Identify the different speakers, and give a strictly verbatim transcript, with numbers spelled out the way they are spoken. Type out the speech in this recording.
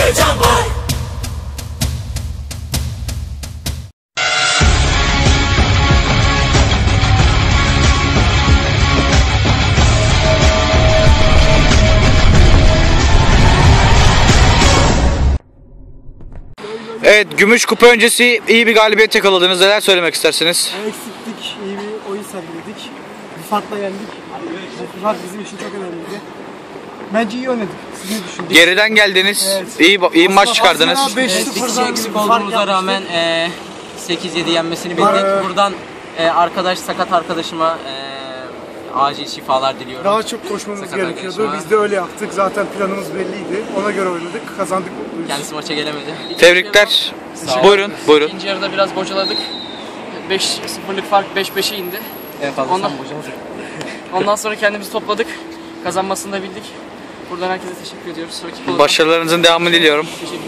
Speaker 1: Can Boy.
Speaker 2: Evet, Gümüş Kupa öncesi iyi bir galibiyet yakaladınız. Neler söylemek istersiniz?
Speaker 3: Eksiktik, iyi bir oyun sergiledik. Bir farkla yendik. Bu fark bizim için çok önemliydi. Bence iyi oynadık. Siz ne düşündünüz?
Speaker 2: Geriden geldiniz. Evet. İyi iyi maç çıkardınız.
Speaker 4: beş sıfır eksik olduğumuza rağmen e, sekiz yedi yenmesini bildik. Buradan e, arkadaş sakat arkadaşıma e, acil şifalar diliyorum.
Speaker 3: Daha çok koşmamız
Speaker 4: sakat
Speaker 3: gerekiyordu.
Speaker 4: arkadaşıma.
Speaker 3: Biz de öyle yaptık. Zaten planımız belliydi. Ona göre oynadık. Kazandık.
Speaker 4: Kendisi maça gelemedi.
Speaker 2: Tebrikler. Buyurun, buyurun.
Speaker 5: İkinci yarıda biraz bocaladık. beş sıfırlık fark beş beşe indi.
Speaker 4: En fazla
Speaker 5: ondan,
Speaker 4: sen bocaladık.
Speaker 5: Ondan sonra kendimizi topladık. Kazanmasını da bildik. Buradan herkese teşekkür ediyoruz.
Speaker 2: Başarılarınızın devamını diliyorum.
Speaker 5: Teşekkür